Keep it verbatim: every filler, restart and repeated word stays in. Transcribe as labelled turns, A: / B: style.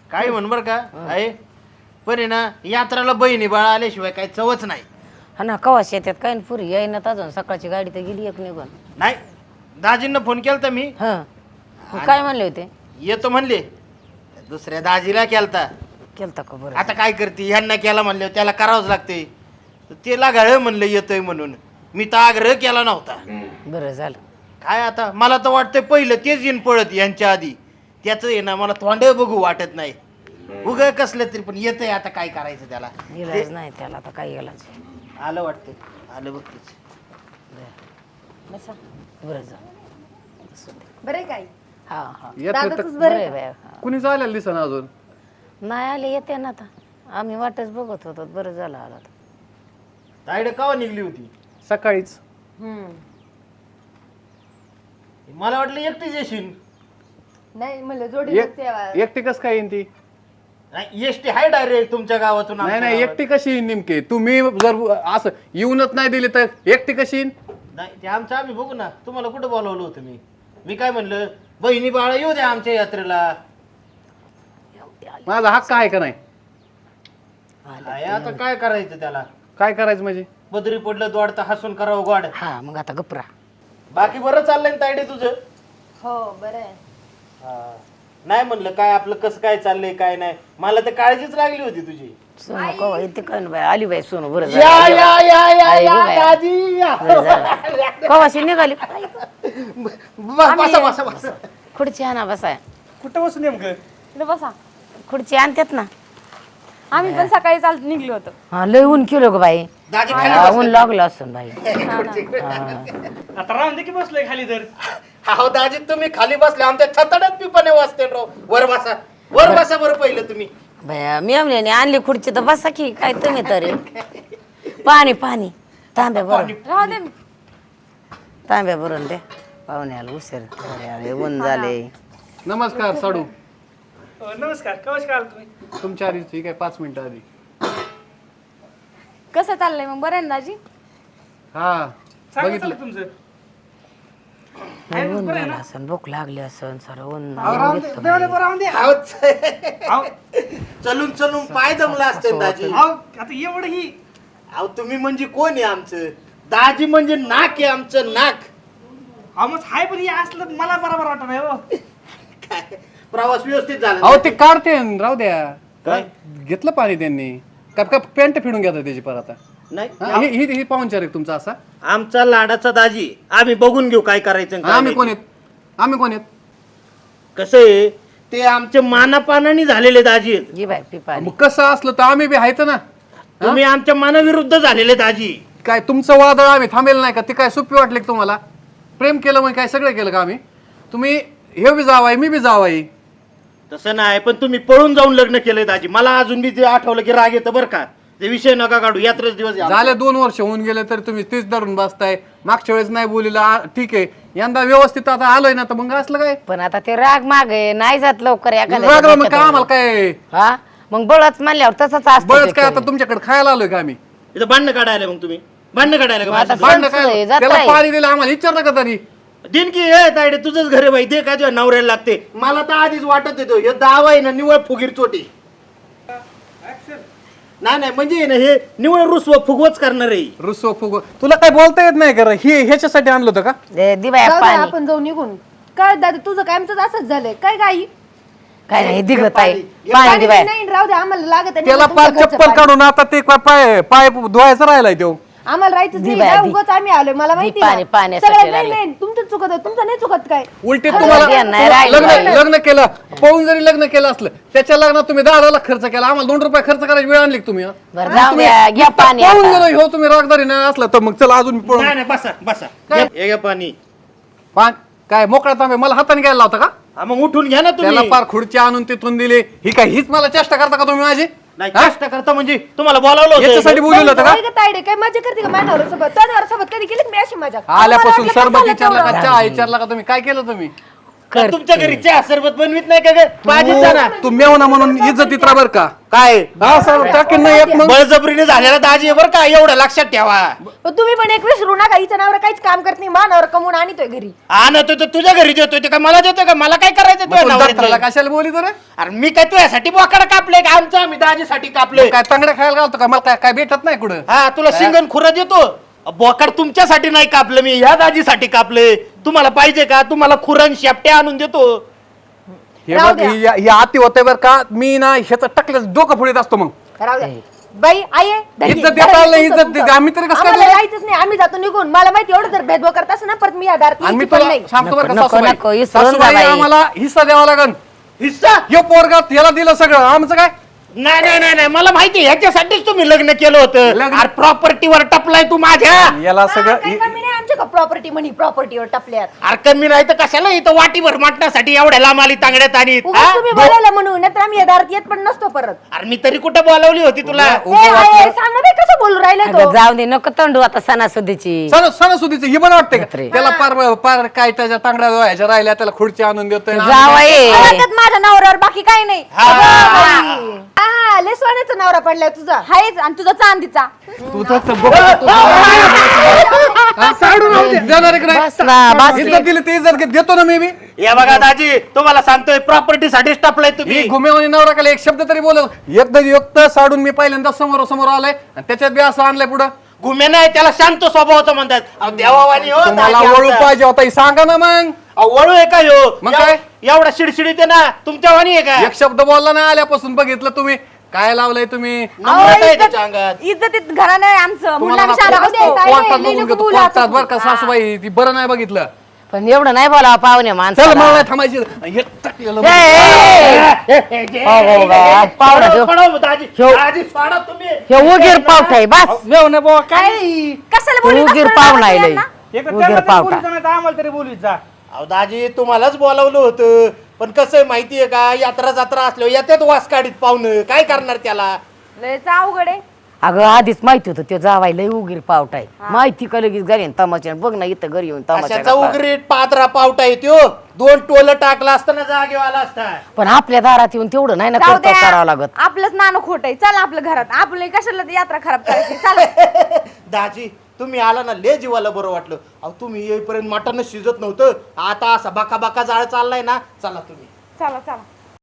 A: काय म्हण बर का आहे पण आहे ना यात्राला बहिणी बाळा आल्याशिवाय काही चवच नाही.
B: हा ना कवाश येतात काय न पुरी येईनात अजून सकाळची गाडी तर गेली एक निघून.
A: नाही दाजींना फोन केलता मी
B: हा मग काय म्हणले होते?
A: येतो म्हणले. दुसऱ्या दाजीला केलता.
B: केलता का बरं?
A: आता काय करते ह्यांना केला म्हणले त्याला करावंच लागते. ते लागाळ म्हणलं येतोय म्हणून मी तर आग्रह केला नव्हता.
B: बरं झालं.
A: काय आता मला तर वाटतंय पहिलं तेच येईन पळत यांच्या आधी. त्याचं आहे ना मला तोंडे बघू वाटत नाही. उग कसलं तरी पण येतंय आता काय करायचं त्याला.
B: इलाज नाही त्याला आता काय इलाज.
A: आलं वाटतं आलं बघतेच.
B: बसा बरं झालं.
C: बरे काय
B: हा हा
C: दादाचंच
B: बरं
C: बरं
B: आहे
C: का?
B: बाया.
D: कुणी चालेल दिसन अजून
B: नाही आले येते ना आता. आम्ही वाटच बघत होतो बरं झालं आला आता.
A: ताईड कावा निघली होती?
D: सकाळीच.
C: हम्म
A: मला वाटलं एकटीच येशील.
C: नाही म्हणलं जोडी
D: एक- एकटी कस काय येईन ती?
A: नाही एसटी हाय डायरेक्ट तुमच्या गावातून
D: नाही
A: आमच्या
D: नाही
A: गावात.
D: एकटी कशी येईन नेमके? तुम्ही जर असं येऊनच नाही दिली तर एकटी कशी येईन?
A: नाही ते आमचं आम्ही बघू ना. तुम्हाला कुठं बोलवलं होतं मी? मी काय म्हणलं बहिणी बाळा येऊ द्या आमच्या यात्रेला.
D: माझा हक्क आहे का नाही?
A: आहे आता काय करायचं त्याला?
D: काय करायचं म्हणजे?
A: बदरी पडलं दोडता हसून करावं गोड.
B: हा मग आता गपरा.
A: बाकी बरं चाललंय ना तायडे तुझं?
C: हो बरं आहे.
A: हा. नाही म्हणलं काय आपलं कसं काय चाललंय काय नाही. मला तर काळजीच लागली होती तुझी.
B: सोनू कवा येते काय ना बाई आली बाई सोनू बरं
A: या
B: झालं.
A: या या या
B: आई
A: या
B: गं बाई.
A: दाजी या.
B: बरं झालं. कवाशी निघाली
A: ब- बसा बसा बसा.
B: खुर्ची आणा बसाय.
A: कुठं बसू नेमकं?
C: इकडे बसा.
B: खुर्ची आणतात ना.
C: आम्ही पण सकाळी चालत निघलो होतो.
B: हा लय ऊन केलं ग बाई.
A: दाजी खाली
B: हा,
A: बसा.
B: ऊन लागलं असं बाई.
E: आता राहून दे की बसलोय खाली तर.
A: हो दाजी तुम्ही खाली बसले आमच्या छताड्यात पिपाने वाजते राव. वर बसा वर बसा बरं पहिलं तुम्ही.
B: बाया मेवण्याने आणली खुर्ची तर बसा की काय तुम्ही तरी. पाणी पाणी तांब्या भरून
C: राहू दे.
B: तांब्या भरून दे पाहुण्याला उशीर झाले, ऊन झाले.
D: नमस्कार साडू.
E: अ, नमस्कार कवश काल तुम्ही.
D: तुमच्या आधी ठीक आहे पाच मिनिटं आधी.
C: कसं चाललंय मग बरं आहे ना दाजी?
D: हा
E: सांगा
D: बघितलं.
E: चाललं तुमचं.
B: लय ऊन झालं असन भूक लागली असन सर ऊन
E: राहून दे देवाला बरं राहून दे.
A: अहो,
E: अहो,
A: चलून चलून पाय जमला असते दाजी.
E: अहो, आता एवढं ही
A: अहो तुम्ही म्हणजे कोण आहे आमचं? दाजी म्हणजे नाक आहे आमचं नाक.
E: अहो मग हाय पण हे असलं तर मला बरोबर वाटत नाही हो.
A: काय प्रवास व्यवस्थित झाला
D: अहो ते काढते राहू द्या.
A: काय?
D: घेतलं पाणी त्यांनी का का पॅन्ट फिरून घेतात त्याची परत आता.
A: नाही
D: हा, ही ही ही पाहुणचार आहे तुमचा असा.
A: आमचा लाडाचा दाजी आम्ही बघून घेऊ काय करायचं आणि काय
D: आम्ही
A: नाही.
D: कोण आहेत? आम्ही कोण आहेत?
A: कसं आहे ते आमचे मानापानाने झालेले दाजी आहेत.
B: जी बाई पिपाणी
D: मग कसं असलं तर आम्ही बी आहेत ना.
A: तुम्ही आमच्या मानाविरुद्ध झालेले दाजी.
D: काय तुमचं वादळ आम्ही थांबेल नाही का? ते काय सोपी वाटले का तुम्हाला? प्रेम केलं म्हणजे काय सगळं केलं का आम्ही? तुम्ही हे बी जावाय मी बी जावाई.
A: तसं नाही पण तुम्ही पळून जाऊन लग्न केलंय दाजी. मला अजून बी ते आठवलं की राग येतं बरं का. ते विषय नका काढू. यात्रेच दिवस आहे आमचा.
D: झाले दोन वर्ष होऊन गेले तर तुम्ही तीच धरून बसताय. मागच्या वेळेस नाही बोलीला आ, ठीक आहे यंदा व्यवस्थित आता आलोय ना तर मग असलं काय?
B: पण आता ते राग माग आहे नाही जात लवकर एखाद्या
D: राग राग मग काय आम्हाला काय
B: हा मग बळच म्हणल्यावर तसंच असतं
D: बळच
B: ते
D: काय आता
B: करून.
D: तुमच्याकडे खायला आलोय का आम्ही?
A: इथं भांडणं काढायला मग तुम्ही भांडणं काढायला का
B: मग आता
A: माझ्यासोबत?
D: भांडणं
B: संच आहे,
D: काय
B: जात
D: त्याला
B: आहे.
D: पाणी दिलं आम्हाला विचारलं का तरी?
A: दिन की ए तायडे तुझंच घर आहे बाई. दे काय तुझ्या नवऱ्याला लागते. मला तर आधीच वाटत येतो हे दावा आहे ना निवळ फुगीर चोटी. नाही नाही म्हणजे आहे ना हे निवळ रुसव फुगवच करणार आहे.
D: रुसो फुगो तुला काय बोलता येत नाही का? हे ह्याच्यासाठी आणलं होतं का?
B: दे दे बाया
C: जाऊ दे,
B: पाणी
C: आपण जाऊ निघून. काय दादा तुझं काय आमचं असंच झालंय काय गाई?
B: काय नाही दिगत आहे
A: पाणी.
B: पाणी
C: पाणी
B: दे बाया.
C: नाही राहू दे आम्हाला लागत आहे.
D: त्याला
C: तुमच्या
D: पार
C: घरचं
D: चप्पल
C: पाणी.
D: काढून आता ते काय पाय पाय धुवायचा राहिलाय तो.
C: आम्हाला राहायचं
B: दे
C: नाही
B: बाया,
C: जा,
B: दे.
C: उगाच आम्ही आलोय मला माहिती
B: पाणी-
C: ना.
B: पाण्यासाठी
C: सगळं नाही
B: लागलंय.
C: नाही तुमचं चुकत आहे, तुमचं नाही चुकत काय.
D: उलटे
B: अरे
D: तुम्हाला
B: द्या, नाही राहिलं,
D: लग्न
B: राहिलं.
D: लग्न केलं पाहून जरी लग्न केलं असलं त्याच्या लग्नात तुम्ही दहा दहा लाख खर्च केला आम्हाला दोन रुपये खर्च करायची वेळ आणली का तुम्ही? हा?
B: बरं जाऊ
D: तुम्ही
B: द्या घ्या पाणी
D: पाहून
B: आता.
D: गेलो हो तुम्ही रागदारी नाही असला तर मग चला अजून पळून
A: नाही नाही बसा बसा.
D: काय?
A: हे घ्या पाणी.
D: पान काय मोकळा तांबे मला हाताने घ्यायला लावता का?
A: हा, मग उठून घ्या ना
D: त्याला
A: तुम्ही.
D: पार खुर्ची आणून तिथून दिली ही काय हीच मला चेष्टा करता का तुम्ही माझी?
A: नाही
D: हा?
A: कष्ट करता म्हणजे तुम्हाला बोलावलं होतं.
D: याच्यासाठी बोलवलं होतं का?
C: काय गं तायडे काय मजा करते का माझ्या सोबत? त्या सोबत कधी केली का मी अशी मजा?
D: आल्यापासून
C: आम्हाला वाटलं
D: सरबत
C: कशाला
D: विचारला का
C: तेवढं?
D: चहा विचारला का तुम्ही काय केलं तुम्ही?
B: करते.
A: तुमच्या घरी चहा सरबत बनवीत नाही का ग पाहिजे ना
D: तू- तू मेवना म्हणून इज्जतीत राहा बरं का
A: काय
D: हा सर टाकेन नाही एक मग
A: बळजबरीने झालेला दाजी आहे बरं का एवढं लक्षात ठेवा
C: पण तुम्ही पण एक विसरू नका हिच्या नावावर काहीच काम करत नाही मानावर कमवून आणतोय घरी
A: आणतो तो तुझ्या घरी देतोय ते का मला देतोय का मला काय करायचं
D: मग
A: तुझ्या
D: तू
A: नवऱ्याचं?
D: जत्राला कशाला बोली तर
A: अरे मी काय तुझ्यासाठी बोकाड कापलंय का आमचं आम्ही दाजीसाठी कापलंय
D: काय तांगड्या खायला घालतो का मला काय काय भेटत नाही कुठं
A: हा तुला शिंगण खुरा देतो बोकाड तुमच्यासाठी नाही कापलं मी ह्या दाजीसाठी कापले तुम्हाला पाहिजे का तुम्हाला खुरण शेपट्या आणून देतो
D: हे
C: राहू
D: बघ
C: द्या.
D: ही ही आती होते बरं का मी ना ह्याचं टाकलं डोकं फुडीत असतो मग
C: राहू द्या. बाई आई आहे, धरी.
D: इज्जत
C: धरा
D: देता आलं,
C: तुमचं,
D: इज्जत
C: तुमचं.
D: दे. आम्ही तरी कसं काय
C: आम्हाला
D: देऊ?
C: जायचंच नाही आम्ही जातो निघून मला माहिती एवढं जर भेदभाव करत असं ना परत मी या दारात
D: आणि मी
C: यायची पण
D: तुला
C: नाही.
D: सांगतो बरं का
B: नको,
D: सासूबाई
B: नको, विसरून जा
D: सासूबाई
B: बाई.
D: आम्हाला हिस्सा द्यावा लागन
A: हिस्सा
D: यो पोरगात याला दिलं सगळं आमचं काय
A: नाही नाही नाही नाही मला माहिती ह्याच्यासाठीच तुम्ही लग्न केलं होतं
D: लग्न-
A: अरे प्रॉपर्टीवर टपलाय तू माझ्या
D: याला
C: हा,
D: सगळं
C: काही कमी नाही आमच्या प्रॉपर्टी म्हणी प्रॉपर्टीवर टपल्यात
A: अरे कमी नाही तर कशाला इथं वाटीभर माटण्यासाठी एवढ्या लांब आली तांगड्यात आणि
C: उगाच तुम्ही बोलायला म्हणून नाहीतर आम्ही या दारात येत पण नसतो परत
A: अरे मी तरी कुठं बोलावली होती तुला
D: उगा-
C: ए,
D: उगा
C: आई,
D: वाटलं.
C: सांग ना बाई कसं बोलू राहिलाय
B: अगं
C: तो
B: जाऊ दे नको तंडू आता सणासुदीची
D: सण सणासुदीचं ही पण वाटते का
B: बापरे.
D: त्याला पार पार काय त्याच्या तांगड्या व्हायच्या राहिल्या त्याला खुर्ची आणून देतोय आणि
B: जावई
C: आवडतात माझ्या नवऱ्यावर बाकी काही नाही
A: हा.
C: अगं बाई. हा लय सोन्याचा नवरा पडलाय तुझा हायच आणि तुझा चांदीचा
D: तू तसं बघ. हा? देणार आहे का नाही?
B: बस ना, बस की.
D: इज्जत दिली ती इज्जत घे- देतो ना मी बी
A: या बघा दाजी तुम्हाला सांगतोय प्रॉपर्टी साठीच टपलाय तुम्ही
D: मी घुमेवानी नवरा केला एक शब्द तरी बोलत एकदा युक्त साडून मी पहिल्यांदा समोर समोर आलाय आणि त्याच्यात बी असं आणलंय पुढं
A: गुमे नाही त्याला शांत स्वभावाचं म्हणतात अहो, देवावानी हो
D: तुम्हाला
A: दाजी
D: वळू
A: आमचा.
D: पाहिजे होता ही सांगा ना मग
A: अहो, वळू आहे का ह्यो
D: मग
A: एव-
D: काय?
A: एवढा शिडशिडीत आहे ना तुमच्या वाणी आहे का
D: एक शब्द बोलला ना आल्यापासून बघितलं तुम्ही काय लावलंय तुम्ही
A: नम्रता आहे त्याच्या अंगात
C: इज्जतीत घराणं आहे आमचं
D: तुम्हाला ना
C: शाळा
D: कोर्टात बघून घेतो कोर्टात बरं का सासूबाई ती बरं नाही बघितलं
B: पण एवढं नाही बोलावं पाहुणे
D: चल
B: माणसाला
D: मला नाही थांबायची हे टाकलेलं
B: ए, ए, ए. हो, हो, बा, पावडं घेऊ.
A: सोडा, सोडा, दाजी
B: ठेव.
A: दाजी सोडा तुम्ही
B: हे उगीर पावठ आहे बस
E: मेवणे बुवा काय
C: कशाला
B: तू
C: बोलू
B: उगीर पाहुणा आहे लय.
E: एक तर
B: उगीर
E: त्यांना तरी
B: पावटा
E: बोलूचं नाही तर आम्हाला तरी बोलू जा
A: अहो दाजी तुम्हालाच बोलावलं होतं पण कसं आहे माहितीये का यात्रा जात्रा असल्यावर येतात वास काढीत पाहुणं काय करणार त्याला
C: लयच अवघड आहे
B: अगं आधीच माहिती होतं तो जावाय लय उगीर पावठ आहे माहिती का लगेच घरी येऊन तमाशा बघ ना इथं घरी येऊन तमाशा
A: अशाचा
B: गप्पा.
A: उगरीट पात्रा पावटा येतो दोन टोल टाकला असताना जागेवर आला असता
B: पण आपल्या दारात येऊन तेवढं नाही ना
C: जाऊ
B: करतो
C: द्या.
B: करावं लागत
C: आपलंच नाणं खोट आहे चल आपल्या घरात आपलं कशाला ती यात्रा खराब करायची चला
A: दाजी तुम्ही आला ना ले जीवाला बरं वाटलं अहो तुम्ही येईपर्यंत मटणच शिजत नव्हतं आता असा बाका बाका जाळ चाललाय ना चला तुम्ही
C: चला चला